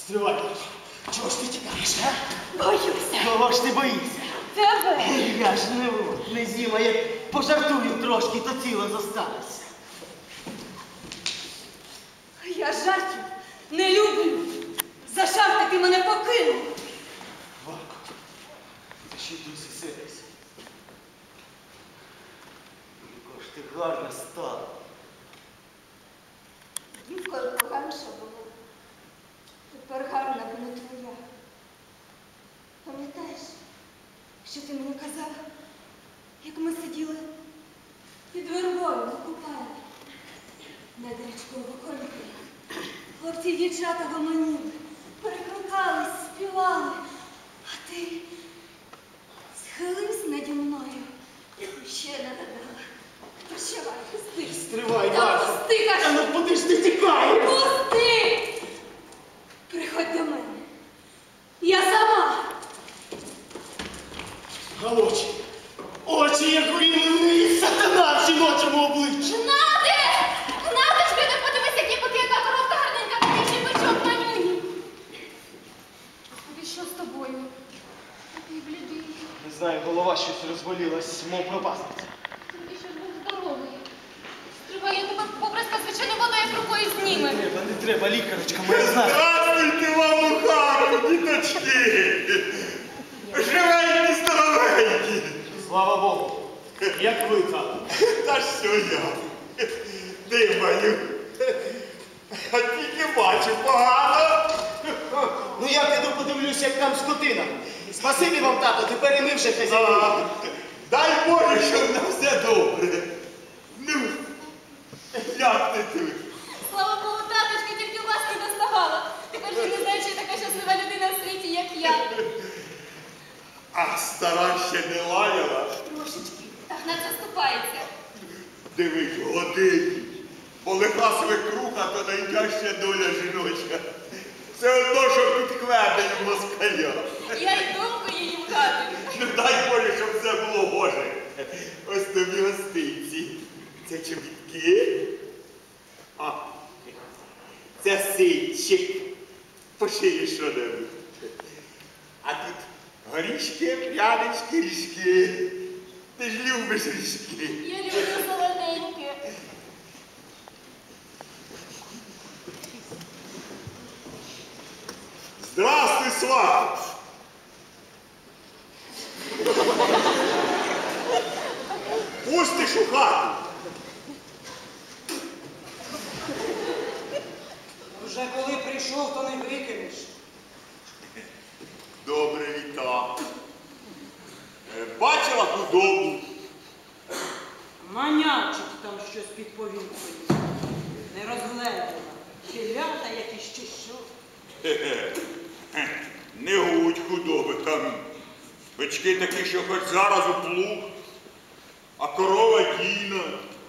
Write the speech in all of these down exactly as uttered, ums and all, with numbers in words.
Стривай. Чого ж ти тікаєш, а? Боюся. Кого ж ти боїшся? Тебе. Я ж не, не з'їм, а як пожартую трошки, то тіло зостанеться. Я жартів не люблю. За жарти ти мене покинув. Вако, ти ще й досі сердишся. Яка ж ти гарна стала. Дівкою поганша була. Тепер гарна, бо не твоя. Пам'ятаєш, що ти мені казав, як ми сиділи під вербою на купальні, над річкою Вокольки. Хлопці й дівчата гомоніли, перекликались, співали, а ти схилився наді мною і ще не додала. Прощавай, пусти. Стривай, Та Вако. пусти, кажу. Та ну куди ж ти тікаєш? Пусти! Приходь до мене. Я сама. А очі, очі, як руйнує сатана в жіночому обличчі. Гнаде! Гнаточка, не подивись, які поки яка коровка гарненька, такий жіночок манюній. Господи, що з тобою? Такий блідий. Не знаю, голова щось розболілась, мов пропасниця. Ти що ж був здоровий. Стривай, я тебе поприска звичайно водою як рукою Не зніме. треба, не треба, лікарочка моя знає. Здравствуйте вам у хату, діточки! Живенькі, здоровенькі! Слава Богу. Як ви там? Та що я? Димаю. А тільки бачу погано. Ну я піду подивлюся, як там скотина. Спасибі вам, тато, тепер і ми вже хазяїни. А, дай Боже, щоб на все добре. Ну, як ти тут? Слава Богу, таточка, тільки вас не доставала. Тепер ти не знаєш, що я така щаслива людина в світі, як я. А стара ще не лаяла. Трошечки. Так на це ступається. Дивись, годинник. Бо лиха свекруха, то найтяжча доля жіноча. Все одно, що під кведенням москаля. Я й довго її в хату. Ну дай Боже, щоб все було гоже. Ось тобі гостинці. Це чобітки. А, це ситчик. Пошиє що-небудь. А тут горішки, прянички, ріжки. Ти ж любиш ріжки. Я люблю солоденьке. Здравствуй, сват! Пустиш у хату. Вже коли прийшов, то не викинеш. Добре, вітаю. Е, Бачила худобу? Манячить там щось під повінкою. Не розгледіла. Телята якісь чи що. Хе-хе. Не гудь худоби там. Бички такі, що хоч зараз у плуг, а корова дійна.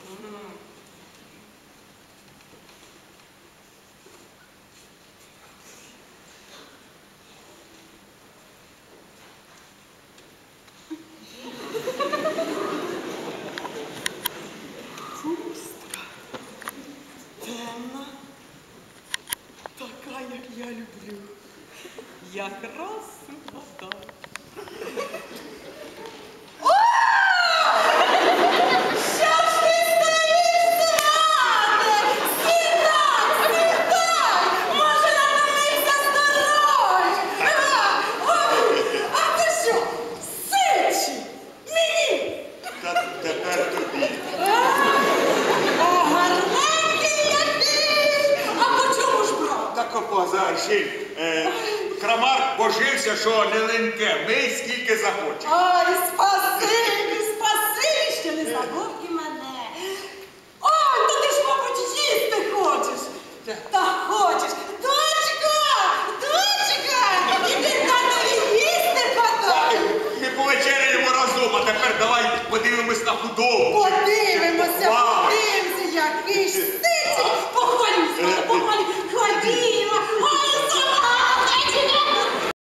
Пустка. Темна. Така, як я люблю. Якраз вода. Та тепер тобі. Так опозарши. Е, Крамар божився, що не леньке. Мий скільки захочеш. Ай, спасибі,